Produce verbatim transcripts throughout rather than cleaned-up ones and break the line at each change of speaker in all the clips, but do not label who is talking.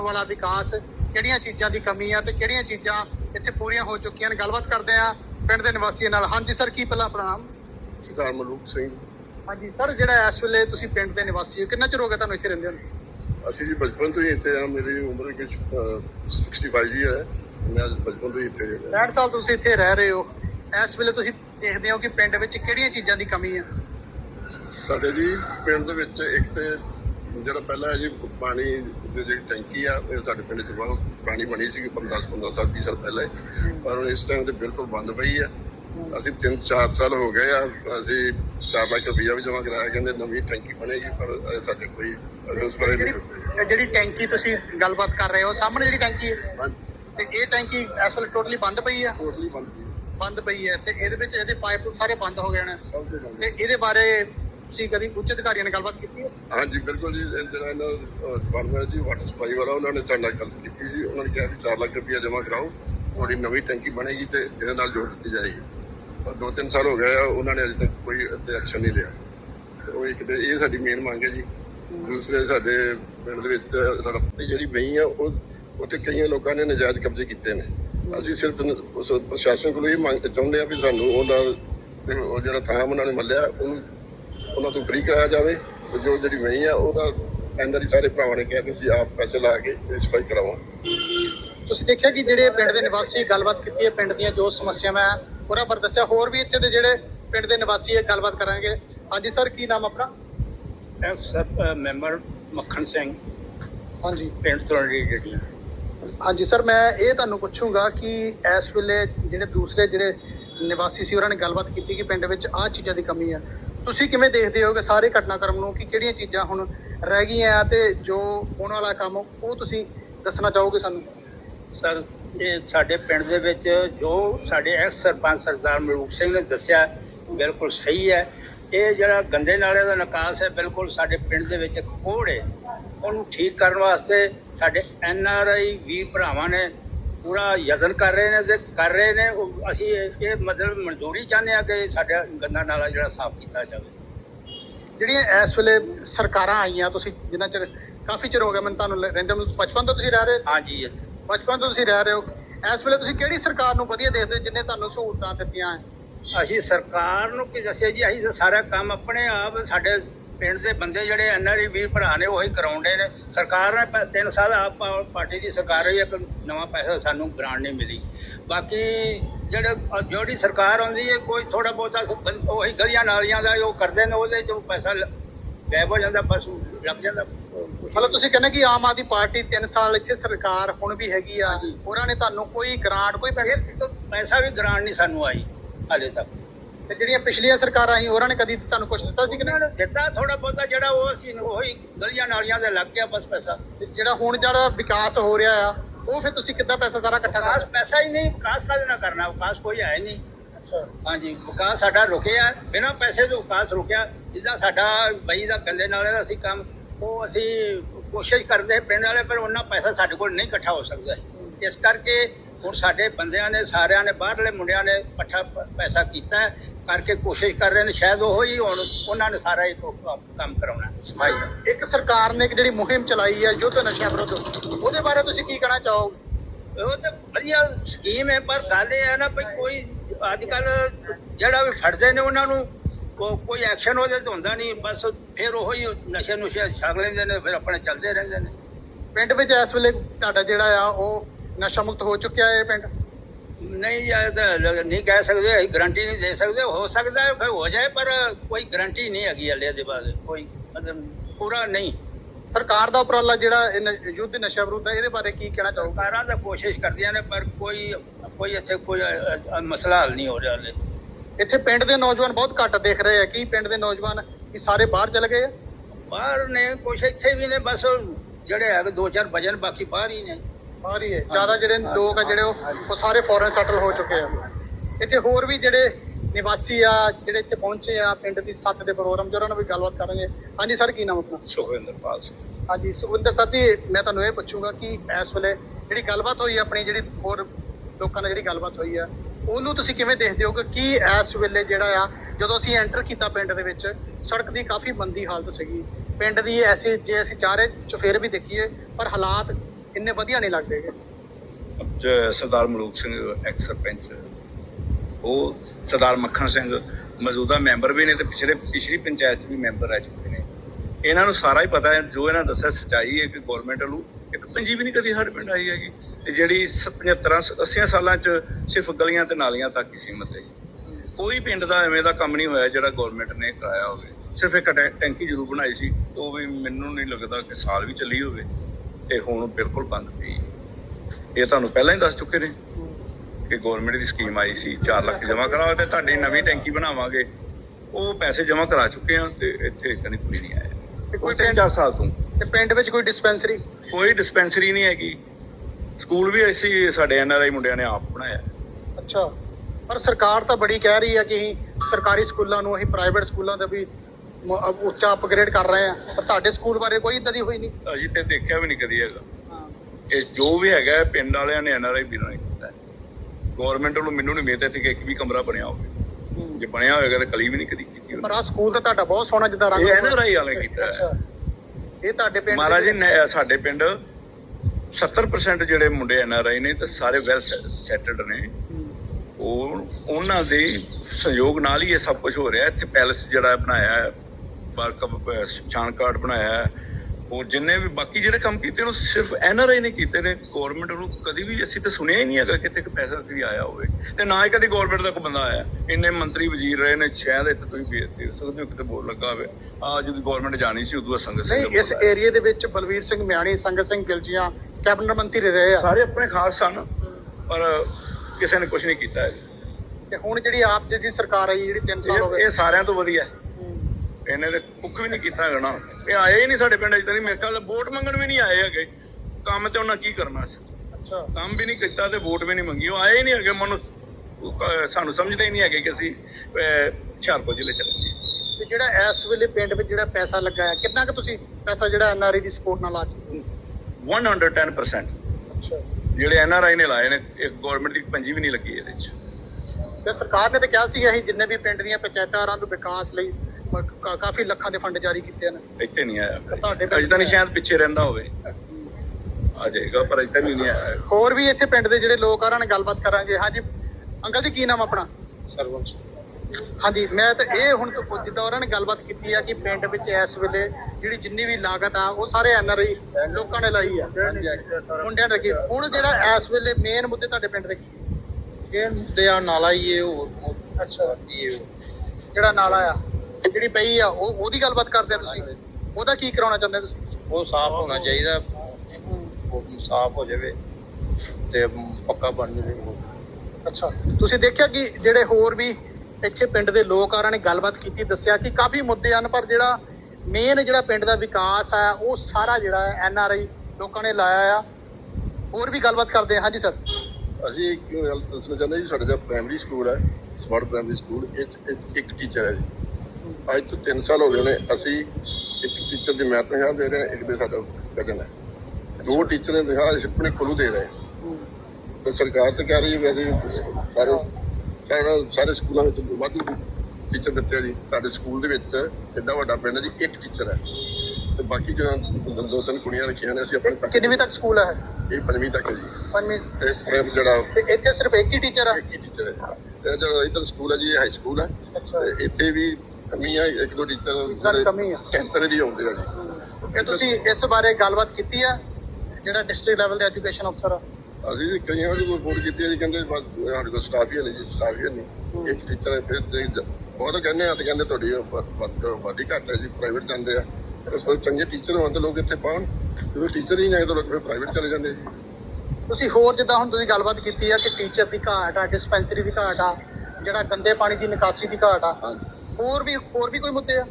ਵਾਲਾ ਵਿਕਾਸ ਕਿਹੜੀਆਂ ਚੀਜ਼ਾਂ ਦੀ ਕਮੀ ਆ ਤੇ ਕਿਹੜੀਆਂ ਚੀਜ਼ਾਂ ਇੱਥੇ ਪੂਰੀਆਂ ਹੋ ਚੁੱਕੀਆਂ ਨੇ। ਗੱਲਬਾਤ ਕਰਦੇ ਆ ਪਿੰਡ ਦੇ ਨਿਵਾਸੀਆਂ ਨਾਲ। ਹਾਂਜੀ ਸਰ, ਕੀ ਪਹਿਲਾਂ ਆਪਣਾ ਨਾਮ?
ਸਰਦਾਰ ਮਲੂਕ ਸਿੰਘ।
ਹਾਂਜੀ ਸਰ, ਜਿਹੜਾ ਇਸ ਵੇਲੇ ਤੁਸੀਂ ਪਿੰਡ ਦੇ ਨਿਵਾਸੀ ਹੋ, ਕਿੰਨਾ ਚਿਰ ਹੋ ਗਿਆ ਤੁਹਾਨੂੰ ਇੱਥੇ ਰਹਿੰਦੇ ਹੋ?
ਅਸੀਂ ਜੀ ਬਚਪਨ ਤੋਂ ਹੀ ਇੱਥੇ ਆ। ਮੇਰੀ ਉਮਰ ਕੁਝ ਸਿਕਸਟੀ ਫਾਈਵ ਹੀ ਹੈ। ਮੈਂ ਅੱਜ ਬਚਪਨ ਤੋਂ ਹੀ ਇੱਥੇ ਰਹਿ
ਪੈਂਹਠ ਸਾਲ ਤੁਸੀਂ ਇੱਥੇ ਰਹਿ ਰਹੇ ਹੋ। ਇਸ ਵੇਲੇ ਤੁਸੀਂ ਦੇਖਦੇ ਹੋ ਕਿ ਪਿੰਡ ਵਿੱਚ ਕਿਹੜੀਆਂ ਚੀਜ਼ਾਂ ਦੀ ਕਮੀ ਆ?
ਸਾਡੇ ਜੀ ਪਿੰਡ ਦੇ ਵਿੱਚ ਇੱਕ ਤੇ ਜਿਹੜਾ ਪਹਿਲਾਂ ਜੀ ਪਾਣੀ ਦੀ ਜਿਹੜੀ ਟੈਂਕੀ ਆ, ਇਹ ਸਾਡੇ ਪਿੰਡ 'ਚ ਬਹੁਤ ਪੁਰਾਣੀ ਬਣੀ ਸੀ, ਦਸ ਪੰਦਰਾਂ ਸਾਲ ਵੀਹ ਸਾਲ ਪਹਿਲਾਂ, ਪਰ ਹੁਣ ਇਸ ਟਾਈਮ ਤੇ ਬਿਲਕੁਲ ਬੰਦ ਪਈ ਆ। ਅਸੀਂ ਤਿੰਨ ਚਾਰ ਸਾਲ ਹੋ ਗਏ ਆ, ਅਸੀਂ ਚਾਰ ਲੱਖ ਰੁਪਈਆ ਵੀ ਜਮ੍ਹਾਂ ਕਰਾਇਆ, ਕਹਿੰਦੇ ਨਵੀਂ ਟੈਂਕੀ ਬਣੇਗੀ, ਪਰ ਸਾਡੇ ਕੋਈ ਉਸ ਬਾਰੇ ਨਹੀਂ।
ਜਿਹੜੀ ਟੈਂਕੀ ਤੁਸੀਂ ਗੱਲਬਾਤ ਕਰ ਰਹੇ ਹੋ, ਸਾਹਮਣੇ ਜਿਹੜੀ ਟੈਂਕੀ ਹੈ, ਤੇ ਇਹ ਟੈਂਕੀ ਇਸ ਵੇਲੇ ਟੋਟਲੀ ਬੰਦ ਪਈ ਆ?
ਟੋਟਲੀ ਬੰਦ
ਬੰਦ ਪਈ ਹੈ। ਤੇ ਇਹਦੇ ਵਿੱਚ ਇਹਦੇ ਪਾਈਪ ਸਾਰੇ ਬੰਦ ਹੋ ਗਏ ਨੇ,
ਸਭ ਤੋਂ ਬੰਦ।
ਤੇ ਇਹਦੇ ਬਾਰੇ ਤੁਸੀਂ ਕਦੀ ਉੱਚ ਅਧਿਕਾਰੀਆਂ ਨਾਲ ਗੱਲਬਾਤ ਕੀਤੀ ਹੈ?
ਹਾਂਜੀ ਬਿਲਕੁਲ ਜੀ। ਜਿਹੜਾ ਇਹਨਾਂ ਡਿਪਾਰਟਮੈਂਟ ਜੀ ਵਾਟਰ ਸਪਲਾਈ ਵਾਲਾ, ਉਹਨਾਂ ਨੇ ਸਾਡੇ ਨਾਲ ਗੱਲ ਕੀਤੀ ਸੀ। ਉਹਨਾਂ ਨੇ ਕਿਹਾ ਵੀ ਚਾਰ ਲੱਖ ਰੁਪਈਆ ਜਮ੍ਹਾਂ ਕਰਾਓ, ਤੁਹਾਡੀ ਨਵੀਂ ਟੈਂਕੀ ਬਣੇਗੀ ਤੇ ਇਹਦੇ ਨਾਲ ਜੋੜ ਦਿੱਤੀ ਜਾਏਗੀ। ਪਰ ਦੋ ਤਿੰਨ ਸਾਲ ਹੋ ਗਏ ਆ, ਉਹਨਾਂ ਨੇ ਅਜੇ ਤੱਕ ਕੋਈ ਐਕਸ਼ਨ ਨਹੀਂ ਲਿਆ। ਉਹ ਇੱਕ ਤੇ ਇਹ ਸਾਡੀ ਮੇਨ ਮੰਗ ਹੈ ਜੀ। ਦੂਸਰੇ, ਸਾਡੇ ਪਿੰਡ ਦੇ ਵਿੱਚ ਸਾਡਾ ਜਿਹੜੀ ਵਹੀਂ ਆ, ਉਹ ਉੱਥੇ ਕਈਆਂ ਲੋਕਾਂ ਨੇ ਨਜਾਇਜ਼ ਕਬਜ਼ੇ ਕੀਤੇ ਨੇ। ਅਸੀਂ ਸਿਰਫ ਉਸ ਪ੍ਰਸ਼ਾਸਨ ਕੋਲੋਂ ਇਹ ਮੰਗ ਚਾਹੁੰਦੇ ਆ ਵੀ ਸਾਨੂੰ ਉਹਦਾ ਉਹ ਜਿਹੜਾ ਥਾਂ ਉਹਨਾਂ ਨੇ ਮੱਲਿਆ, ਉਹਨੂੰ ਉਹਨਾਂ ਤੋਂ ਫਰੀ ਕਰਾਇਆ ਜਾਵੇ। ਜੋ ਜਿਹੜੀ ਵਹੀਂ ਆ, ਉਹਦਾ ਐਂਦਰ ਹੀ ਸਾਰੇ ਭਰਾਵਾਂ ਨੇ ਕਿਹਾ ਕਿ ਅਸੀਂ ਆਪ ਪੈਸੇ ਲਾ ਕੇ ਸਫਾਈ ਕਰਾਵਾਂ।
ਤੁਸੀਂ ਦੇਖਿਆ ਕਿ ਜਿਹੜੇ ਪਿੰਡ ਦੇ ਨਿਵਾਸੀ ਗੱਲਬਾਤ ਕੀਤੀ ਹੈ, ਪਿੰਡ ਦੀਆਂ ਜੋ ਸਮੱਸਿਆਵਾਂ ਹੈ ਉਹਨਾਂ ਬਾਰੇ ਦੱਸਿਆ। ਹੋਰ ਵੀ ਇੱਥੇ ਦੇ ਜਿਹੜੇ ਪਿੰਡ ਦੇ ਨਿਵਾਸੀ ਹੈ ਗੱਲਬਾਤ ਕਰਾਂਗੇ। ਹਾਂਜੀ ਸਰ, ਕੀ ਨਾਮ ਆਪਣਾ?
ਸਰ ਮੈਂਬਰ ਮੱਖਣ ਸਿੰਘ,
ਹਾਂਜੀ,
ਪਿੰਡ ਤੋੜੀ ਜਿਹੜੀ।
ਹਾਂਜੀ ਸਰ, ਮੈਂ ਇਹ ਤੁਹਾਨੂੰ ਪੁੱਛੂੰਗਾ ਕਿ ਇਸ ਵੇਲੇ ਜਿਹੜੇ ਦੂਸਰੇ ਜਿਹੜੇ ਨਿਵਾਸੀ ਸੀ ਉਹਨਾਂ ਨੇ ਗੱਲਬਾਤ ਕੀਤੀ ਕਿ ਪਿੰਡ ਵਿੱਚ ਆਹ ਚੀਜ਼ਾਂ ਦੀ ਕਮੀ ਹੈ। ਤੁਸੀਂ ਕਿਵੇਂ ਦੇਖਦੇ ਹੋ ਕਿ ਸਾਰੇ ਘਟਨਾਕ੍ਰਮ ਨੂੰ, ਕਿ ਕਿਹੜੀਆਂ ਚੀਜ਼ਾਂ ਹੁਣ ਰਹਿ ਗਈਆਂ ਤੇ ਜੋ ਹੋਣ ਵਾਲਾ ਕੰਮ ਉਹ ਤੁਸੀਂ ਦੱਸਣਾ ਚਾਹੋਗੇ ਸਾਨੂੰ?
ਸਰ, ਇਹ ਸਾਡੇ ਪਿੰਡ ਦੇ ਵਿੱਚ ਜੋ ਸਾਡੇ ਐਕਸ ਸਰਪੰਚ ਸਰਦਾਰ ਮਲੂਕ ਸਿੰਘ ਨੇ ਦੱਸਿਆ ਬਿਲਕੁਲ ਸਹੀ ਹੈ। ਇਹ ਜਿਹੜਾ ਗੰਦੇ ਨਾਲੇ ਦਾ ਨਿਕਾਸ ਹੈ, ਬਿਲਕੁਲ ਸਾਡੇ ਪਿੰਡ ਦੇ ਵਿੱਚ ਇੱਕ ਕੋੜ ਹੈ। ਉਹਨੂੰ ਠੀਕ ਕਰਨ ਵਾਸਤੇ ਸਾਡੇ ਐਨ ਆਰ ਆਈ ਵੀਰ ਭਰਾਵਾਂ ਨੇ ਪੂਰਾ ਯਤਨ ਕਰ ਰਹੇ ਨੇ ਤੇ ਕਰ ਰਹੇ ਨੇ। ਅਸੀਂ ਇਹ ਮਤਲਬ ਮਨਜ਼ੂਰੀ ਚਾਹੁੰਦੇ ਹਾਂ ਕਿ ਸਾਡਾ ਗੰਦਾ ਨਾਲਾ ਜਿਹੜਾ ਸਾਫ਼ ਕੀਤਾ ਜਾਵੇ।
ਜਿਹੜੀਆਂ ਇਸ ਵੇਲੇ ਸਰਕਾਰਾਂ ਆਈਆਂ, ਤੁਸੀਂ ਜਿੰਨਾ ਚਿਰ ਕਾਫੀ ਚਿਰ ਹੋ ਗਿਆ ਮੈਨੂੰ ਤੁਹਾਨੂੰ ਰਹਿੰਦੇ ਨੂੰ, ਬਚਪਨ ਤੋਂ ਤੁਸੀਂ ਰਹਿ ਰਹੇ?
ਹਾਂਜੀ,
ਬਚਪਨ ਤੋਂ ਤੁਸੀਂ ਰਹਿ ਰਹੇ ਹੋ। ਇਸ ਵੇਲੇ ਤੁਸੀਂ ਕਿਹੜੀ ਸਰਕਾਰ ਨੂੰ ਵਧੀਆ ਦੇਖਦੇ ਹੋ ਜਿਹਨੇ ਤੁਹਾਨੂੰ ਸਹੂਲਤਾਂ ਦਿੱਤੀਆਂ ਹੈ?
ਅਸੀਂ ਸਰਕਾਰ ਨੂੰ ਕੀ ਦੱਸਿਆ ਜੀ, ਅਸੀਂ ਤਾਂ ਸਾਰਾ ਕੰਮ ਆਪਣੇ ਆਪ, ਸਾਡੇ ਪਿੰਡ ਦੇ ਬੰਦੇ ਜਿਹੜੇ ਐਨ ਆਰ ਆਈ ਵੀਰ ਭਰਾ ਨੇ ਉਹੀ ਕਰਾਉਂਦੇ ਨੇ। ਸਰਕਾਰ ਨੇ ਤਿੰਨ ਸਾਲ ਆਪ ਪਾਰਟੀ ਦੀ ਸਰਕਾਰ ਹੋਈ, ਇੱਕ ਨਵਾਂ ਪੈਸਾ ਸਾਨੂੰ ਗ੍ਰਾਂਟ ਨਹੀਂ ਮਿਲੀ। ਬਾਕੀ ਜਿਹੜੇ ਜਿਹੜੀ ਸਰਕਾਰ ਆਉਂਦੀ ਹੈ, ਕੋਈ ਥੋੜਾ ਬਹੁਤਾ ਉਹੀ ਗਲੀਆਂ ਨਾਲੀਆਂ ਦਾ ਉਹ ਕਰਦੇ ਨੇ, ਉਹਦੇ 'ਚ ਪੈਸਾ ਗਾਇਬ ਹੋ ਜਾਂਦਾ, ਬਸ ਲੱਗ ਜਾਂਦਾ।
ਮਤਲਬ ਤੁਸੀਂ ਕਹਿੰਦੇ ਕਿ ਆਮ ਆਦਮੀ ਪਾਰਟੀ ਤਿੰਨ ਸਾਲ ਇੱਥੇ ਸਰਕਾਰ ਹੁਣ ਵੀ ਹੈਗੀ ਆ, ਉਹਨਾਂ ਨੇ ਤੁਹਾਨੂੰ ਕੋਈ ਗ੍ਰਾਂਟ, ਕੋਈ
ਪੈਸਾ ਵੀ ਗ੍ਰਾਂਟ ਨਹੀਂ ਸਾਨੂੰ ਆਈ ਹਾਲੇ ਤੱਕ।
ਤੇ ਜਿਹੜੀਆਂ ਪਿਛਲੀਆਂ ਸਰਕਾਰਾਂ ਆਈ ਉਹਨਾਂ ਨੇ ਕਦੀ ਤੁਹਾਨੂੰ ਕੁਝ ਦਿੱਤਾ ਸੀ ਕਿ ਨਹੀਂ?
ਦਿੱਤਾ ਥੋੜਾ ਬਹੁਤਾ, ਜਿਹੜਾ ਉਹ ਅਸੀਂ ਉਹੀ ਗਲੀਆਂ ਨਾਲੀਆਂ ਦੇ ਲੱਗ ਗਿਆ ਬਸ ਪੈਸਾ।
ਜਿਹੜਾ ਹੁਣ ਜਿਹੜਾ ਵਿਕਾਸ ਹੋ ਰਿਹਾ ਆ, ਉਹ ਫਿਰ ਤੁਸੀਂ ਕਿੱਦਾਂ ਪੈਸਾ ਸਾਰਾ ਇਕੱਠਾ ਕਰ?
ਪੈਸਾ ਹੀ ਨਹੀਂ, ਵਿਕਾਸ ਕਾਹਦੇ ਨਾਲ ਕਰਨਾ? ਵਿਕਾਸ ਕੋਈ ਹੈ ਨਹੀਂ। ਹਾਂਜੀ, ਵਿਕਾਸ ਸਾਡਾ ਰੁਕਿਆ, ਬਿਨਾਂ ਪੈਸੇ ਤੋਂ ਵਿਕਾਸ ਰੁਕਿਆ। ਜਿੱਦਾਂ ਸਾਡਾ ਬਈ ਦਾ ਗੰਦੇ ਨਾਲੇ ਦਾ ਅਸੀਂ ਕੰਮ, ਉਹ ਅਸੀਂ ਕੋਸ਼ਿਸ਼ ਕਰਦੇ ਪਿੰਡ ਵਾਲੇ, ਪਰ ਉਹਨਾਂ ਪੈਸਾ ਸਾਡੇ ਕੋਲ ਨਹੀਂ ਇਕੱਠਾ ਹੋ ਸਕਦਾ। ਇਸ ਕਰਕੇ ਹੁਣ ਸਾਡੇ ਬੰਦਿਆਂ ਨੇ, ਸਾਰਿਆਂ ਨੇ, ਬਾਹਰਲੇ ਮੁੰਡਿਆਂ ਨੇ ਇਕੱਠਾ ਪੈਸਾ ਕੀਤਾ ਕਰਕੇ ਕੋਸ਼ਿਸ਼ ਕਰ ਰਹੇ ਨੇ। ਸ਼ਾਇਦ ਉਹ ਹੀ ਹੁਣ ਉਹਨਾਂ ਨੇ ਸਾਰਾ ਇਹ ਕੰਮ ਕਰਾਉਣਾ ਸਮਾਜ ਦਾ।
ਇੱਕ ਸਰਕਾਰ ਨੇ ਇੱਕ ਜਿਹੜੀ ਮੁਹਿੰਮ ਚਲਾਈ ਹੈ ਯੁੱਧ ਨਸ਼ਾ ਵਿਰੁੱਧ, ਉਹਦੇ ਬਾਰੇ ਤੁਸੀਂ ਕੀ ਕਹਿਣਾ ਚਾਹੋਗੇ?
ਉਹ ਤਾਂ ਵਧੀਆ ਸਕੀਮ ਹੈ, ਪਰ ਗੱਲ ਇਹ ਹੈ ਨਾ ਵੀ ਕੋਈ ਅੱਜ ਕੱਲ੍ਹ ਜਿਹੜਾ ਵੀ ਫੜਦੇ ਨੇ ਉਹਨਾਂ ਨੂੰ ਕੋਈ ਐਕਸ਼ਨ ਉਹਦੇ ਤੋਂ ਹੁੰਦਾ ਨਹੀਂ। ਬਸ ਫਿਰ ਉਹ ਹੀ ਨਸ਼ੇ ਨੁਸ਼ੇ ਛਕ ਲੈਂਦੇ ਨੇ, ਫਿਰ ਆਪਣੇ ਚੱਲਦੇ ਰਹਿੰਦੇ ਨੇ।
ਪਿੰਡ ਵਿੱਚ ਇਸ ਵੇਲੇ ਤੁਹਾਡਾ ਜਿਹੜਾ ਆ ਉਹ ਨਸ਼ਾ ਮੁਕਤ ਹੋ ਚੁੱਕਿਆ ਹੈ ਪਿੰਡ?
ਨਹੀਂ ਯਾਰ, ਨਹੀਂ ਕਹਿ ਸਕਦੇ, ਅਸੀਂ ਗਰੰਟੀ ਨਹੀਂ ਦੇ ਸਕਦੇ। ਹੋ ਸਕਦਾ ਹੈ ਫਿਰ ਹੋ ਜਾਏ, ਪਰ ਕੋਈ ਗਰੰਟੀ ਨਹੀਂ ਹੈਗੀ ਹਲੇ ਦੇ ਬਾਅਦ, ਕੋਈ ਮਤਲਬ ਪੂਰਾ ਨਹੀਂ।
ਸਰਕਾਰ ਦਾ ਉਪਰਾਲਾ ਜਿਹੜਾ ਯੁੱਧ ਨਸ਼ਾ ਵਿਰੁੱਧ ਹੈ, ਇਹਦੇ ਬਾਰੇ ਕੀ ਕਹਿਣਾ ਚਾਹੋਗੇ?
ਸਰਕਾਰਾਂ ਤਾਂ ਕੋਸ਼ਿਸ਼ ਕਰਦੀਆਂ ਨੇ, ਪਰ ਕੋਈ ਕੋਈ ਇੱਥੇ ਕੋਈ ਮਸਲਾ ਹੱਲ ਨਹੀਂ ਹੋ ਰਿਹਾ ਹਲੇ।
ਇੱਥੇ ਪਿੰਡ ਦੇ ਨੌਜਵਾਨ ਬਹੁਤ ਘੱਟ ਦਿਖ ਰਹੇ ਆ। ਕੀ ਪਿੰਡ ਦੇ ਨੌਜਵਾਨ ਕੀ ਸਾਰੇ ਬਾਹਰ ਚਲੇ ਗਏ ਆ?
ਬਾਹਰ ਨੇ, ਕੁਛ ਇੱਥੇ ਵੀ ਨੇ, ਬਸ ਜਿਹੜੇ ਹੈਗੇ ਦੋ ਚਾਰ ਵਜਨ, ਬਾਕੀ ਬਾਹਰ ਹੀ ਨੇ।
ਬਾਹਰ ਹੀ ਹੈ ਜ਼ਿਆਦਾ। ਜਿਹੜੇ ਲੋਕ ਆ ਜਿਹੜੇ ਉਹ ਸਾਰੇ ਫੋਰਨ ਸੈਟਲ ਹੋ ਚੁੱਕੇ ਆ। ਇੱਥੇ ਹੋਰ ਵੀ ਜਿਹੜੇ ਨਿਵਾਸੀ ਆ ਜਿਹੜੇ ਇੱਥੇ ਪਹੁੰਚੇ ਆ ਪਿੰਡ ਦੀ ਸੱਤ ਦੇ ਪ੍ਰੋਗਰਾਮ 'ਚ, ਉਹਨਾਂ ਨਾਲ ਵੀ ਗੱਲਬਾਤ ਕਰਾਂਗੇ। ਹਾਂਜੀ ਸਰ, ਕੀ ਨਾਮ ਆਪਣਾ?
ਸੁਖਵਿੰਦਰਪਾਲ ਸਿੰਘ।
ਹਾਂਜੀ ਸੁਖਵਿੰਦਰ ਸਰ ਜੀ, ਮੈਂ ਤੁਹਾਨੂੰ ਇਹ ਪੁੱਛੂੰਗਾ ਕਿ ਇਸ ਵੇਲੇ ਜਿਹੜੀ ਗੱਲਬਾਤ ਹੋਈ ਆਪਣੀ, ਜਿਹੜੀ ਹੋਰ ਲੋਕਾਂ ਨਾਲ ਜਿਹੜੀ ਗੱਲਬਾਤ ਹੋਈ ਆ, ਉਹਨੂੰ ਤੁਸੀਂ ਕਿਵੇਂ ਦੇਖਦੇ ਹੋ? ਕਿ ਕੀ ਇਸ ਵੇਲੇ ਜਿਹੜਾ ਆ, ਜਦੋਂ ਅਸੀਂ ਐਂਟਰ ਕੀਤਾ ਪਿੰਡ ਦੇ ਵਿੱਚ, ਸੜਕ ਦੀ ਕਾਫੀ ਮੰਦੀ ਹਾਲਤ ਸੀਗੀ ਪਿੰਡ ਦੀ। ਐਸੀ ਜੇ ਅਸੀਂ ਚਾਰੇ ਚੁਫੇਰ ਵੀ ਦੇਖੀਏ, ਪਰ ਹਾਲਾਤ ਇੰਨੇ ਵਧੀਆ ਨਹੀਂ ਲੱਗਦੇ ਗੇ।
ਜ- ਸਰਦਾਰ ਮਲੂਕ ਸਿੰਘ ਐਕਸ ਸਰਪੰਚ, ਉਹ ਸਰਦਾਰ ਮੱਖਣ ਸਿੰਘ ਮੌਜੂਦਾ ਮੈਂਬਰ ਵੀ ਨੇ ਤੇ ਪਿਛਲੇ ਪਿਛਲੀ ਪੰਚਾਇਤ 'ਚ ਵੀ ਮੈਂਬਰ ਰਹਿ ਚੁੱਕੇ ਨੇ। ਇਹਨਾਂ ਨੂੰ ਸਾਰਾ ਹੀ ਪਤਾ ਹੈ, ਜੋ ਇਹਨਾਂ ਦੱਸਿਆ ਸੱਚਾਈ ਹੈ ਕਿ ਗੌਰਮੈਂਟ ਵੱਲੋਂ ਇੱਕ ਪੰਜੀ ਵੀ ਨਹੀਂ ਕਦੀ ਸਾਡੇ ਪਿੰਡ ਆਈ ਹੈਗੀ, ਤੇ ਜਿਹੜੀ ਪਝੱਤਰਾਂ ਅੱਸੀਆਂ ਸਾਲਾਂ 'ਚ ਸਿਰਫ ਗਲੀਆਂ ਤੇ ਨਾਲੀਆਂ ਤੱਕ ਹੀ ਸੀਮਤ ਹੈ। ਕੋਈ ਪਿੰਡ ਦਾ ਐਵੇਂ ਦਾ ਕੰਮ ਨਹੀਂ ਹੋਇਆ ਜਿਹੜਾ ਗੌਰਮੈਂਟ ਨੇ ਕਰਾਇਆ ਹੋਵੇ। ਸਿਰਫ ਇੱਕ ਟੈ- ਟੈਂਕੀ ਜ਼ਰੂਰ ਬਣਾਈ ਸੀ, ਉਹ ਵੀ ਮੈਨੂੰ ਨਹੀਂ ਲੱਗਦਾ ਕਿ ਸਾਲ ਵੀ ਚੱਲੀ ਹੋਵੇ, ਤੇ ਹੁਣ ਬਿਲਕੁਲ ਬੰਦ ਪਈ। ਇਹ ਤੁਹਾਨੂੰ ਪਹਿਲਾਂ ਹੀ ਦੱਸ ਚੁੱਕੇ ਨੇ ਕਿ ਗੌਰਮੈਂਟ ਦੀ ਸਕੀਮ ਆਈ ਸੀ ਚਾਰ ਲੱਖ ਜਮ੍ਹਾਂ ਕਰਾਓ ਤੇ ਤੁਹਾਡੀ ਨਵੀਂ ਟੈਂਕੀ ਬਣਾਵਾਂਗੇ। ਉਹ ਪੈਸੇ ਜਮ੍ਹਾਂ ਕਰਾ ਚੁੱਕੇ ਆ ਤੇ ਇੱਥੇ ਇਤਨੀ ਕੋਈ ਨਹੀਂ ਆਇਆ
ਤੇ
ਕੋਈ
ਕੋਈ
ਤਿੰਨ
ਪਿੰਡ
ਚਾਰ ਸਾਲ ਤੋਂ।
ਤੇ ਪਿੰਡ ਵਿੱਚ ਕੋਈ ਡਿਸਪੈਂਸਰੀ?
ਕੋਈ ਡਿਸਪੈਂਸਰੀ ਨਹੀਂ ਹੈਗੀ। ਸਕੂਲ ਵੀ ਅਸੀਂ ਸਾਡੇ ਐਨ ਆਰ ਆਈ ਮੁੰਡਿਆਂ ਨੇ ਆਪ ਬਣਾਇਆ।
ਅੱਛਾ, ਪਰ ਸਰਕਾਰ ਤਾਂ ਬੜੀ ਕਹਿ ਰਹੀ ਹੈ ਕਿ ਅਸੀਂ ਸਰਕਾਰੀ ਸਕੂਲਾਂ ਨੂੰ ਅਸੀਂ ਪ੍ਰਾਈਵੇਟ ਸਕੂਲਾਂ ਦਾ ਵੀ ਮ- ਉੱਚਾ ਅਪਗ੍ਰੇਡ ਕਰ ਰਹੇ ਆ, ਪਰ ਤੁਹਾਡੇ ਸਕੂਲ ਬਾਰੇ ਕੋਈ ਇਦਾਂ ਦੀ ਹੋਈ ਨਹੀਂ।
ਅਸੀਂ ਤੇ ਦੇਖਿਆ ਵੀ ਨਹੀਂ ਕਦੀ ਹੈਗਾ। ਇਹ ਜੋ ਵੀ ਹੈਗਾ ਹੈ, ਪਿੰਡ ਵਾਲਿਆਂ ਨੇ ਐਨ ਆਰ ਆਈ ਵੀਰਾਂ ਨੇ ਕੀਤਾ ਹੈ। ਗੌਰਮੈਂਟ ਵੱਲੋਂ ਮੈਨੂੰ ਨਹੀਂ ਮਿਹਨਤ ਕਿ ਇੱਕ ਵੀ ਕਮਰਾ ਬਣਿਆ ਹੋਵੇ। ਜੇ ਬਣਿਆ ਹੋਵੇਗਾ ਤਾਂ ਕਲੀ ਵੀ ਨਹੀਂ ਕਦੀ ਕੀਤੀ
ਪਰ ਆਹ ਸਕੂਲ ਤਾਂ ਤੁਹਾਡਾ ਬਹੁਤ ਸੋਹਣਾ ਜਿੱਦਾਂ ਰੰਗ
ਇਹ ਐਨ ਆਰ ਆਈ ਵਾਲੇ ਕੀਤਾ ਹੈ।
ਅੱਛਾ, ਇਹ ਤੁਹਾਡੇ ਪਿੰਡ
ਮਹਾਰਾਜ ਜੀ
ਦੇ-
ਨੇ- ਸਾਡੇ ਪਿੰਡ ਸੱਤਰ ਪਰਸੈਂਟ ਜਿਹੜੇ ਮੁੰਡੇ ਐਨ ਆਰ ਆਈ ਨੇ ਤੇ ਸਾਰੇ ਵੈਲ ਸੈਟਲਡ ਨੇ। ਉਹ ਉਹਨਾਂ ਦੇ ਸਹਿਯੋਗ ਨਾਲ ਹੀ ਇਹ ਸਭ ਕੁਝ ਹੋ ਰਿਹਾ। ਇੱਥੇ ਪੈਲਸ ਜਿਹੜਾ ਬਣਾਇਆ ਹੈ, ਬਾਰਕਬ ਸ਼ਾਨ ਕਾਰਡ ਬਣਾਇਆ ਹੈ, ਉਹ ਜਿੰਨੇ ਵੀ ਬਾਕੀ ਜਿਹੜੇ ਕੰਮ ਕੀਤੇ ਉਹ ਸਿਰਫ ਐਨ ਆਰ ਆਈ ਨੇ ਕੀਤੇ ਨੇ। ਗੌਰਮੈਂਟ ਨੂੰ ਕਦੀ ਵੀ ਅਸੀਂ ਤਾਂ ਸੁਣਿਆ ਹੀ ਨਹੀਂ ਹੈਗਾ ਕਿਤੇ ਕੋਈ ਪੈਸਾ ਵੀ ਆਇਆ ਹੋਵੇ, ਤੇ ਨਾ ਹੀ ਕਦੀ ਗੌਰਮੈਂਟ ਦਾ ਕੋਈ ਬੰਦਾ ਆਇਆ। ਇੰਨੇ ਮੰਤਰੀ ਵਜ਼ੀਰ ਰਹੇ ਨੇ, ਸ਼ਾਇਦ ਇੱਥੇ ਤੁਸੀਂ ਵੀ ਦੇਖ ਸਕਦੇ ਹੋ ਕਿਤੇ ਬੋਰਡ ਲੱਗਾ ਹੋਵੇ। ਆ ਜਦੋਂ ਗੌਰਮੈਂਟ ਜਾਣੀ ਸੀ ਉਦੋਂ ਸੰਗਤ ਸਿੰਘ
ਨਹੀਂ, ਇਸ ਏਰੀਏ ਦੇ ਵਿੱਚ ਬਲਵੀਰ ਸਿੰਘ ਮਿਆਣੀ, ਸੰਗਤ ਸਿੰਘ ਗਿਲਜੀਆਂ ਕੈਬਨਿਟ ਮੰਤਰੀ ਰਹੇ ਆ,
ਸਾਰੇ ਆਪਣੇ ਖਾਸ ਸਨ, ਪਰ ਕਿਸੇ ਨੇ ਕੁਝ ਨਹੀਂ ਕੀਤਾ ਹੈ।
ਤੇ ਹੁਣ ਜਿਹੜੀ ਆਪ ਜੀ ਦੀ ਸਰਕਾਰ ਆਈ ਜਿਹੜੀ ਤਿੰਨ ਸਾਲ ਹੋ
ਇਹ
ਗਏ,
ਇਹ ਸਾਰਿਆਂ ਤੋਂ ਵਧੀਆ ਹੈ। ਇਹਨੇ ਤੇ ਕੁੱਖ ਵੀ ਨਹੀਂ ਕੀਤਾ ਹੈਗਾ ਨਾ। ਇਹ ਆਏ ਹੀ ਨਹੀਂ ਸਾਡੇ ਪਿੰਡ ਅਜੇ ਤੱਕ। ਮੇਰੇ ਖਿਆਲ ਵੋਟ ਮੰਗਣ ਵੀ ਨਹੀਂ ਆਏ ਹੈਗੇ। ਕੰਮ ਤੇ ਉਹਨਾਂ ਕੀ ਕਰਨਾ ਸੀ?
ਅੱਛਾ,
ਕੰਮ ਵੀ ਨਹੀਂ ਕੀਤਾ ਤੇ ਵੋਟ ਵੀ ਨਹੀਂ ਮੰਗੀ। ਉਹ ਆਏ ਹੀ ਨਹੀਂ ਹੈਗੇ। ਮਨੂੰ ਸਾਨੂੰ ਸਮਝਦੇ ਹੀ ਨਹੀਂ ਹੈਗੇ ਕਿ ਅਸੀਂ ਅਹ, ਹੁਸ਼ਿਆਰਪੁਰ ਜ਼ਿਲ੍ਹੇ ਚੱਲਾਂਗੇ।
ਤੇ ਜਿਹੜਾ ਇਸ ਵੇਲੇ ਪਿੰਡ ਵਿੱਚ ਜਿਹੜਾ ਪੈਸਾ ਲੱਗਾ ਹੈ, ਕਿੰਨਾ ਕੁ ਤੁਸੀਂ ਪੈਸਾ ਜਿਹੜਾ N R I the support ਨਾਲ ਲਾ ਚੁੱਕੇ ਹੋ?
ਇੱਕ ਸੌ ਦਸ ਪਰਸੈਂਟ
ਅੱਛਾ,
ਜਿਹੜੇ ਐਨ ਆਰ ਆਈ ਨੇ ਲਾਏ ਨੇ, ਇੱਕ ਗੌਰਮੈਂਟ ਦੀ ਪੰਜੀ ਵੀ ਨਹੀਂ ਲੱਗੀ ਇਹਦੇ 'ਚ।
ਤੇ ਸਰਕਾਰ ਨੇ ਤਾਂ ਕਿਹਾ ਸੀ ਅਸੀਂ ਜਿੰਨੇ ਵੀ ਪਿੰਡ ਦੀਆਂ ਪੰਚਾਇਤਾਂ ਰਾਂ ਦੇ ਵਿਕਾਸ ਲਈ ਮ- ਕਾ- ਕਾਫੀ ਲੱਖਾਂ ਦੇ ਫੰਡ ਜਾਰੀ ਕੀਤੇ ਹਨ।
ਇੱਥੇ ਨਹੀਂ ਆਇਆ।
ਤੁਹਾਡੇ ਪਿੰਡ
ਅਜੇ ਤਾਂ ਨਹੀਂ, ਸ਼ਾਇਦ ਪਿੱਛੇ ਰਹਿੰਦਾ ਹੋਵੇ ਆ ਜਾਏਗਾ, ਪਰ ਅਜੇ ਤਾਂ ਨਹੀਂ ਆਇਆ।
ਹੋਰ ਵੀ ਇੱਥੇ ਪਿੰਡ ਦੇ ਜਿਹੜੇ ਲੋਕ ਆ ਉਹਨਾਂ ਨਾਲ ਗੱਲਬਾਤ ਕਰਾਂਗੇ। ਹਾਂਜੀ ਅੰਕਲ ਜੀ, ਕੀ ਨਾਮ ਆਪਣਾ?
ਸਰਵੰਸ਼
ਹਾਂਜੀ, ਮੈਂ ਤਾਂ ਇਹ ਹੁਣ ਤੋਂ ਜਿੱਦਾਂ ਉਹਨਾਂ ਨੇ ਗੱਲਬਾਤ ਕੀਤੀ ਆ ਕਿ ਪਿੰਡ ਵਿੱਚ ਇਸ ਵੇਲੇ ਜਿਹੜੀ ਜਿੰਨੀ ਵੀ ਲਾਗਤ ਆ ਉਹ ਸਾਰੇ ਐਨ ਆਰ ਆਈ ਲੋਕਾਂ ਨੇ ਲਾਈ ਆ, ਮੁੰਡਿਆਂ ਨੇ ਰੱਖੀ। ਹੁਣ ਜਿਹੜਾ ਇਸ ਵੇਲੇ ਮੇਨ ਮੁੱਦੇ ਤੁਹਾਡੇ ਪਿੰਡ ਦੇ ਕੀ?
ਇਹ ਮੁੱਦੇ ਆ ਨਾਲਾ ਹੀ ਇਹ
ਅੱਛਾ,
ਇਹ
ਜਿਹੜਾ ਨਾਲਾ ਆ, ਜਿਹੜੀ ਪਈ ਆ, ਉਹ ਉਹਦੀ ਗੱਲਬਾਤ ਕਰਦੇ ਆ ਤੁਸੀਂ? ਉਹਦਾ ਕੀ ਕਰਾਉਣਾ ਚਾਹੁੰਦੇ ਤੁਸੀਂ?
ਉਹ ਸਾਫ਼ ਹੋਣਾ ਚਾਹੀਦਾ, ਉਹ ਸਾਫ਼ ਹੋ ਜਾਵੇ ਤੇ ਪੱਕਾ ਬਣ ਜਾਵੇ।
ਅੱਛਾ, ਤੁਸੀਂ ਦੇਖਿਆ ਕਿ ਜਿਹੜੇ ਹੋਰ ਵੀ ਇੱਥੇ ਪਿੰਡ ਦੇ ਲੋਕ ਆ ਉਹਨਾਂ ਨੇ ਗੱਲਬਾਤ ਕੀਤੀ, ਦੱਸਿਆ ਕਿ ਕਾਫੀ ਮੁੱਦੇ ਹਨ, ਪਰ ਜਿਹੜਾ ਮੇਨ ਜਿਹੜਾ ਪਿੰਡ ਦਾ ਵਿਕਾਸ ਆ ਉਹ ਸਾਰਾ ਜਿਹੜਾ ਐਨ ਆਰ ਆਈ ਲੋਕਾਂ ਨੇ ਲਾਇਆ ਆ। ਹੋਰ ਵੀ ਗੱਲਬਾਤ ਕਰਦੇ ਆ। ਹਾਂਜੀ ਸਰ।
ਅਸੀਂ ਇੱਕ ਗੱਲ ਦੱਸਣਾ ਚਾਹੁੰਦੇ ਜੀ, ਸਾਡਾ ਜਿਹੜਾ ਪ੍ਰਾਇਮਰੀ ਸਕੂਲ ਹੈ, ਸਮਾਰਟ ਪ੍ਰਾਇਮਰੀ ਸਕੂਲ, ਇਹ 'ਚ ਇੱਕ- ਇੱਕ ਟੀਚਰ ਹੈ ਜੀ। ਅੱਜ ਤੋਂ ਤਿੰਨ ਸਾਲ ਹੋ ਗਏ ਨੇ ਅਸੀਂ ਇੱਕ ਟੀਚਰ ਦੀ ਮੈਂ ਤਨਖਾਹ ਦੇ ਰਹੇ ਹਾਂ, ਇੱਕ ਦੇ ਸਾਡਾ ਕਜ਼ਨ ਹੈ। ਦੋ ਟੀਚਰ ਨੇ ਤਨਖਾਹ ਅਸੀਂ ਆਪਣੇ ਕੋਲੋਂ ਦੇ ਰਹੇ ਹਾਂ। ਤੇ ਸਰਕਾਰ ਤਾਂ ਕਹਿ ਰਹੀ ਹੈ ਵੀ ਅਸੀਂ ਸਾਰੇ ਸਾਡਾ ਸਾਰੇ ਸਕੂਲਾਂ ਵਿੱਚ ਵਾਧੂ ਟੀਚਰ ਦਿੱਤੇ ਆ ਜੀ। ਸਾਡੇ ਸਕੂਲ ਦੇ ਵਿੱਚ ਐਡਾ ਵੱਡਾ ਪਿੰਡ ਹੈ ਜੀ, ਇੱਕ ਟੀਚਰ ਹੈ ਤੇ ਬਾਕੀ ਜੋ ਦੋ ਤਿੰਨ ਕੁੜੀਆਂ ਰੱਖੀਆਂ ਨੇ ਅਸੀਂ ਆਪਣੇ ਪੈਸੇ-
ਕਿੰਨਵੀਂ ਤੱਕ ਸਕੂਲ ਹੈ?
ਇਹ ਪੰਜਵੀਂ ਤੱਕ ਹੈ ਜੀ।
ਪੰਜਵੀਂ।
ਤੇ ਪ੍ਰਾਇਮ ਜਿਹੜਾ
ਤੇ ਇੱਥੇ ਸਿਰਫ ਇੱਕ ਹੀ ਟੀਚਰ ਆ?
ਇੱਕ ਹੀ ਟੀਚਰ ਹੈ। ਤੇ ਜਿਹੜਾ ਇੱਧਰ ਸਕੂਲ ਹੈ ਜੀ, ਇਹ ਹਾਈ ਸਕੂਲ ਹੈ।
ਅੱਛਾ,
ਤੇ ਇੱਥੇ ਵੀ ਕਮੀ ਹੈ, ਇੱਕ ਦੋ
ਟੀਚਰਾਂ ਦੀ
ਟੀਚਰ
ਕਮੀ ਆ।
ਟੈਂਪਰੇਰੀ ਆਉਂਦੇ ਆ ਜੀ।
ਤੇ ਤੁਸੀਂ ਇਸ ਬਾਰੇ ਗੱਲਬਾਤ ਕੀਤੀ ਆ ਜਿਹੜਾ ਡਿਸਟ੍ਰਿਕਟ ਲੈਵਲ ਦੇ ਐਜੂਕੇਸ਼ਨ ਅਫਸਰ ਆ?
ਅਸੀਂ ਜੀ ਕਈਆਂ ਵਾਰੀ ਰਿਪੋਰਟ ਕੀਤੀ ਹੈ ਜੀ, ਕਹਿੰਦੇ ਬਸ ਸਾਡੇ ਕੋਲ ਸਟਾਫ ਹੀ ਹੈ ਨਹੀਂ ਜੀ, ਸਟਾਫ ਹੀ ਹੈ ਨਹੀਂ। ਇੱਕ ਟੀਚਰ ਹੈ, ਫਿਰ ਜੇ ਜ- ਬਹੁਤ ਕਹਿੰਦੇ ਆ ਤੇ ਕਹਿੰਦੇ ਤੁਹਾਡੀ ਵਾਦੀ ਘੱਟ ਹੈ ਜੀ, ਪ੍ਰਾਈਵੇਟ ਜਾਂਦੇ ਆ। ਇਸ ਤੋਂ ਚੰਗੇ ਟੀਚਰ ਹੋਣ ਤਾਂ ਲੋਕ ਇੱਥੇ ਪਾਉਣ, ਜਦੋਂ ਟੀਚਰ ਹੀ ਨਹੀਂ ਆਏ ਤਾਂ ਲੋਕ ਫਿਰ ਪ੍ਰਾਈਵੇਟ ਚਲੇ ਜਾਂਦੇ ਜੀ।
ਤੁਸੀਂ ਹੋਰ ਜਿੱਦਾਂ ਹੁਣ ਤੁਸੀਂ ਗੱਲਬਾਤ ਕੀਤੀ ਆ ਕਿ ਟੀਚਰ ਦੀ ਘਾਟ ਆ, ਡਿਸਪੈਂਸਰੀ ਦੀ ਘਾਟ ਆ, ਜਿਹੜਾ ਗੰਦੇ ਪਾਣੀ ਦੀ ਨਿਕਾਸੀ ਦੀ ਘਾਟ ਆ,
ਹਾਂਜੀ,
ਹੋਰ ਵੀ ਹੋਰ ਵੀ ਕੋਈ ਮੁੱਦੇ ਆ?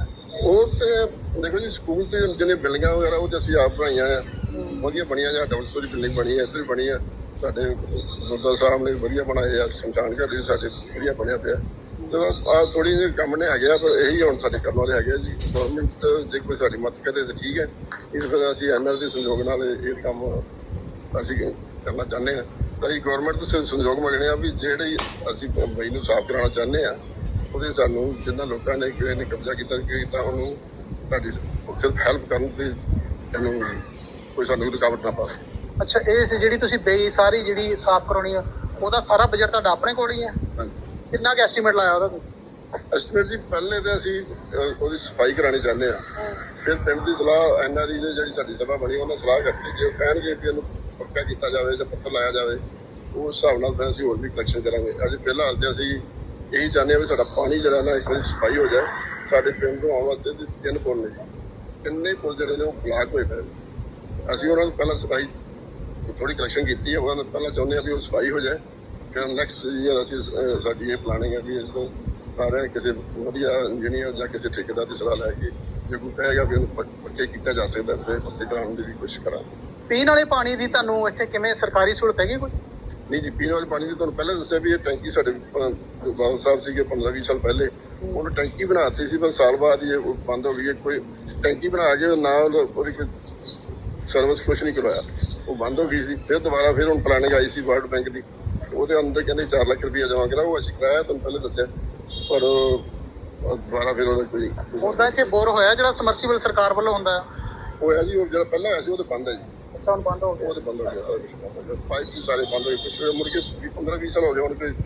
ਉਹ ਤੇ ਦੇਖੋ ਜੀ, ਸਕੂਲ ਤੇ ਜਿਹਨੇ ਬਿਲਡਿੰਗਾਂ ਵਗੈਰਾ ਉਹ ਤੇ ਅਸੀਂ ਆਪ ਬਣਾਈਆਂ ਆ, ਵਧੀਆ ਬਣੀਆਂ ਜਾਂ ਡਬਲ ਸਟੋਰੀ ਬਿਲਡਿੰਗ ਬਣੀ ਹੈ, ਇੱਧਰ ਵੀ ਬਣੀ ਆ। ਸਾਡੇ ਗੁਰਦੁਆਰਾ ਸਾਹਿਬ ਨੇ ਵਧੀਆ ਬਣਾਏ ਆ, ਸ਼ਮਸ਼ਾਨ ਘਾਟ ਵੀ ਸਾਡੇ ਵਧੀਆ ਬਣਿਆ ਪਿਆ। ਤੇ ਬਸ ਆ ਥੋੜੀ ਜਿਹੀ ਕੰਮ ਨੇ ਹੈਗੇ ਆ, ਪਰ ਇਹੀ ਹੁਣ ਸਾਡੇ ਕਰਨ ਵਾਲੇ ਹੈਗੇ ਆ ਜੀ। ਗਵਰਨਮੈਂਟ ਜੇ ਕੋਈ ਸਾਡੀ ਮਦਦ ਕਰੇ ਤਾਂ ਠੀਕ ਹੈ, ਇਸ ਫਿਰ ਅਸੀਂ ਐਨ ਆਰ ਦੇ ਸਹਿਯੋਗ ਨਾਲ ਇਹ ਕੰਮ ਅਸੀਂ ਕਰਨਾ ਚਾਹੁੰਦੇ ਹਾਂ। ਤਾਂ ਅਸੀਂ ਗਵਰਨਮੈਂਟ ਤੋਂ ਸਹਿਯੋਗ ਮੰਗਣੇ ਆ ਵੀ ਜਿਹੜੇ ਅਸੀਂ ਬਈ ਨੂੰ ਸਾਫ਼ ਕਰਾਉਣਾ ਚਾਹੁੰਦੇ ਆ, ਉਹਦੇ ਸਾਨੂੰ ਜਿੰਨਾ ਲੋਕਾਂ ਨੇ ਕਿਸੇ ਨੇ ਕਬਜ਼ਾ ਕੀਤਾ ਕੀਤਾ ਉਹਨੂੰ ਸਾਡੀ ਸਿਰਫ ਹੈਲਪ ਕਰਨ ਤੇ ਇਹਨੂੰ ਕੋਈ ਸਾਨੂੰ ਰੁਕਾਵਟ ਨਾ ਪਾਵੇ।
ਅੱਛਾ, ਇਹ ਸੀ ਜਿਹੜੀ ਤੁਸੀਂ ਬੇਈ ਸਾਰੀ ਜਿਹੜੀ ਸਾਫ਼ ਕਰਾਉਣੀ ਆ, ਉਹਦਾ ਸਾਰਾ ਬਜਟ ਤੁਹਾਡਾ ਆਪਣੇ ਕੋਲ ਹੀ ਹੈ?
ਹਾਂਜੀ।
ਕਿੰਨਾ ਕੁ ਐਸਟੀਮੇਟ ਲਾਇਆ ਉਹਦਾ ਤੁਸੀਂ?
ਐਸਟੀਮੇਟ ਜੀ ਪਹਿਲੇ ਤਾਂ ਅਸੀਂ ਅਹ, ਉਹਦੀ ਸਫਾਈ ਕਰਾਉਣੀ ਚਾਹੁੰਦੇ ਆ। ਫਿਰ ਪਿੰਡ ਦੀ ਸਲਾਹ ਐਨ ਆਰ ਈ ਦੇ ਜਿਹੜੀ ਸਾਡੀ ਸਭਾ ਬਣੀ ਉਹਨਾਂ ਸਲਾਹ ਕਰਕੇ ਜੇ ਉਹ ਕਹਿਣਗੇ ਕਿ ਇਹਨੂੰ ਪੱਕਾ ਕੀਤਾ ਜਾਵੇ ਜਾਂ ਪੱਥਰ ਲਾਇਆ ਜਾਵੇ, ਉਸ ਹਿਸਾਬ ਨਾਲ ਫਿਰ ਅਸੀਂ ਹੋਰ ਵੀ ਕਲੈਕਸ਼ਨ ਕਰਾਂਗੇ। ਅੱਜ ਫਿਲਹਾਲ ਤੇ ਅਸੀਂ ਇਹੀ ਚਾਹੁੰਦੇ ਹਾਂ ਵੀ ਸਾਡਾ ਪਾਣੀ ਜਿਹੜਾ ਨਾ ਇੱਕ ਵਾਰੀ ਸਫਾਈ ਹੋ ਜਾਏ। ਸਾਡੇ ਪਿੰਡ ਨੂੰ ਆਉਣ ਵਾਸਤੇ ਤੇ ਤਿੰਨ ਪੁੱਲ ਨੇ, ਤਿੰਨੇ ਪੁੱਲ ਜਿਹੜੇ ਨੇ ਉਹ ਬਲਾਕ ਹੋਏ ਪਏ ਨੇ। ਅਸੀਂ ਉਹਨਾਂ ਨੂੰ ਪਹਿਲਾਂ ਸਫਾਈ ਥੋੜੀ ਕਲੈਕਸ਼ਨ ਕੀਤੀ ਹੈ, ਉਹਨਾਂ ਨੂੰ ਪਹਿਲਾਂ ਚਾਹੁੰਦੇ ਹਾਂ ਵੀ ਉਹ ਸਫਾਈ ਹੋ ਜਾਏ। ਫਿਰ ਨੈਕਸਟ ਈਅਰ ਅਸੀਂ ਅਹ, ਸਾਡੀ ਇਹ ਪਲਾਨਿੰਗ ਹੈ ਵੀ ਇਸ ਤੋਂ ਸਾਰੇ ਕਿਸੇ ਵਧੀਆ ਇੰਜੀਨੀਅਰ ਜਾਂ ਕਿਸੇ ਠੇਕੇਦਾਰ ਦੀ ਸਲਾਹ ਲੈ ਕੇ ਜੇ ਕੋਈ ਕਹੇਗਾ ਵੀ ਉਹਨੂੰ ਪੱਕ- ਪੱਕੇ ਕੀਤਾ ਜਾ ਸਕਦਾ ਤੇ ਪੱਕੇ ਕਰਾਉਣ ਦੀ ਵੀ ਕੋਸ਼ਿਸ਼ ਕਰਾਂਗੇ।
ਪੀਣ ਵਾਲੇ ਪਾਣੀ ਦੀ ਤੁਹਾਨੂੰ ਇੱਥੇ ਕਿਵੇਂ ਸਰਕਾਰੀ ਸਹੂਲਤ ਹੈਗੀ ਕੋਈ?
ਨਹੀਂ ਜੀ, ਪੀਣ ਵਾਲੇ ਪਾਣੀ ਦੀ ਤੁਹਾਨੂੰ ਪਹਿਲਾਂ ਦੱਸਿਆ ਵੀ ਇਹ ਟੈਂਕੀ ਸਾਡੇ ਅਹ, ਬਾਦਲ ਸਾਹਿਬ ਸੀਗੇ ਪੰਦਰਾਂ ਵੀਹ ਸਾਲ ਪਹਿਲੇ, ਉਹਨੇ ਟੈਂਕੀ ਬਣਾਤੀ ਸੀ, ਪਰ ਸਾਲ ਬਾਅਦ ਹੀ ਇਹ ਬੰਦ ਹੋ ਗਈ ਹੈ। ਕੋਈ ਟੈਂਕੀ ਬਣਾ ਕੇ ਨਾ ਉਹਦੀ ਕੋਈ ਸਰਵਿਸ ਕੁਛ ਨਹੀਂ ਕਰਵਾਇਆ, ਉਹ ਬੰਦ ਹੋ ਗਈ ਸੀ। ਫਿਰ ਦੁਬਾਰਾ ਫਿਰ ਹੁਣ ਪਲਾਨਿੰਗ ਆਈ ਸੀ ਵਰਲਡ ਬੈਂਕ ਦੀ, ਉਹਦੇ ਅੰਦਰ ਕਹਿੰਦੇ ਚਾਰ ਲੱਖ ਰੁਪਇਆ ਜਮ੍ਹਾਂ ਕਰਾਓ। ਅਸੀਂ ਕਰਾਇਆ ਤੁਹਾਨੂੰ ਪਹਿਲੇ ਦੱਸਿਆ, ਪਰ ਉਹ ਦੁਬਾਰਾ ਫਿਰ ਉਹਦਾ ਕੋਈ
ਉਦਾਂ ਇੱਥੇ ਬੋਰ ਹੋਇਆ ਜਿਹੜਾ ਸਮਰਸੀਬਲ ਸਰਕਾਰ ਵੱਲੋਂ ਹੁੰਦਾ ਹੈ?
ਹੋਇਆ ਜੀ। ਉਹ ਜਿਹੜਾ ਪਹਿਲਾਂ ਹੋਇਆ ਸੀ ਉਹ ਤਾਂ ਬੰਦ ਹੈ ਜੀ,
ਅੱਛਾ, ਹੁਣ ਬੰਦ ਹੋ ਗਿਆ।
ਉਹ ਤਾਂ ਬੰਦ ਹੋ ਗਿਆ। ਪਾਈਪ ਵੀ ਸਾਰੇ ਬੰਦ ਹੋਏ, ਕੁਛ ਮੁੜ ਕੇ ਪੰਦਰਾਂ ਵੀਹ ਸਾਲ ਹੋ ਗਏ ਹੁਣ ਕੋਈ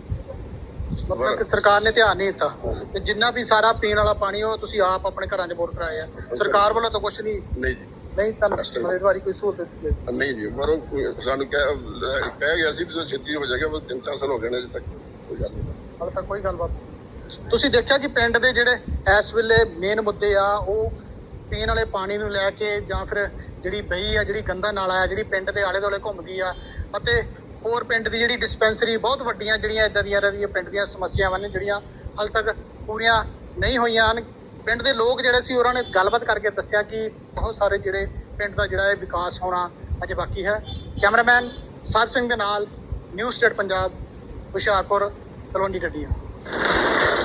ਮਤਲਬ ਕਿ ਸਰਕਾਰ ਨੇ ਧਿਆਨ ਨਹੀਂ ਦਿੱਤਾ ਤੇ ਜਿੰਨਾ ਵੀ ਸਾਰਾ ਪੀਣ ਵਾਲਾ ਪਾਣੀ ਉਹ ਤੁਸੀਂ ਆਪ ਆਪਣੇ ਘਰਾਂ 'ਚ ਬੋਰ ਕਰਾਏ ਆ, ਸਰਕਾਰ ਵੱਲੋਂ ਤਾਂ ਕੁਝ ਨਹੀਂ?
ਨਹੀਂ ਜੀ,
ਨਹੀਂ, ਤੁਹਾਨੂੰ ਮਤਲਬ ਇਸ ਵਾਰੀ ਕੋਈ ਸਹੂਲਤ ਦਿੱਤੀ ਹੈ?
ਨਹੀਂ ਜੀ, ਪਰ ਉਹ ਸਾਨੂੰ ਕਹਿ ਕਹਿ ਗਿਆ ਸੀ ਵੀ ਛੇਤੀ ਹੋ ਜਾਏਗਾ, ਪਰ ਤਿੰਨ ਚਾਰ ਸਾਲ ਹੋ ਗਏ ਨੇ ਅਜੇ ਤੱਕ ਕੋਈ ਗੱਲ ਨਹੀਂ।
ਹਾਲੇ ਤੱਕ ਕੋਈ ਗੱਲਬਾਤ ਨਹੀਂ। ਤੁਸੀਂ ਦੇਖਿਆ ਕਿ ਪਿੰਡ ਦੇ ਜਿਹੜੇ ਇਸ ਵੇਲੇ ਮੇਨ ਮੁੱਦੇ ਆ ਉਹ ਪੀਣ ਵਾਲੇ ਪਾਣੀ ਨੂੰ ਲੈ ਕੇ ਜਾਂ ਫਿਰ ਜਿਹੜੀ ਬਈ ਆ, ਜਿਹੜੀ ਗੰਦਾ ਨਾਲਾ ਆ ਜਿਹੜੀ ਪਿੰਡ ਦੇ ਆਲੇ ਦੁਆਲੇ ਘੁੰਮਦੀ ਆ, ਅਤੇ ਹੋਰ ਪਿੰਡ ਦੀ ਜਿਹੜੀ ਡਿਸਪੈਂਸਰੀ, ਬਹੁਤ ਵੱਡੀਆਂ ਜਿਹੜੀਆਂ ਇਦਾਂ ਦੀਆਂ ਰਹੀਆਂ ਪਿੰਡ ਦੀਆਂ ਸਮੱਸਿਆਵਾਂ ਨੇ ਜਿਹੜੀਆਂ ਹਾਲੇ ਤੱਕ ਪੂਰੀਆਂ ਨਹੀਂ ਹੋਈਆਂ ਹਨ। ਪਿੰਡ ਦੇ ਲੋਕ ਜਿਹੜੇ ਸੀ ਉਹਨਾਂ ਨੇ ਗੱਲਬਾਤ ਕਰਕੇ ਦੱਸਿਆ ਕਿ ਬਹੁਤ ਸਾਰੇ ਜਿਹੜੇ ਪਿੰਡ ਦਾ ਜਿਹੜਾ ਇਹ ਵਿਕਾਸ ਹੋਣਾ ਅਜੇ ਬਾਕੀ ਹੈ। ਕੈਮਰਾਮੈਨ ਸਾਹਿਬ ਸਿੰਘ ਦੇ ਨਾਲ ਨਿਊਜ਼ ਸਟੇਟ ਪੰਜਾਬ, ਹੁਸ਼ਿਆਰਪੁਰ, ਤਲਵੰਡੀ ਡੱਡੀਆਂ।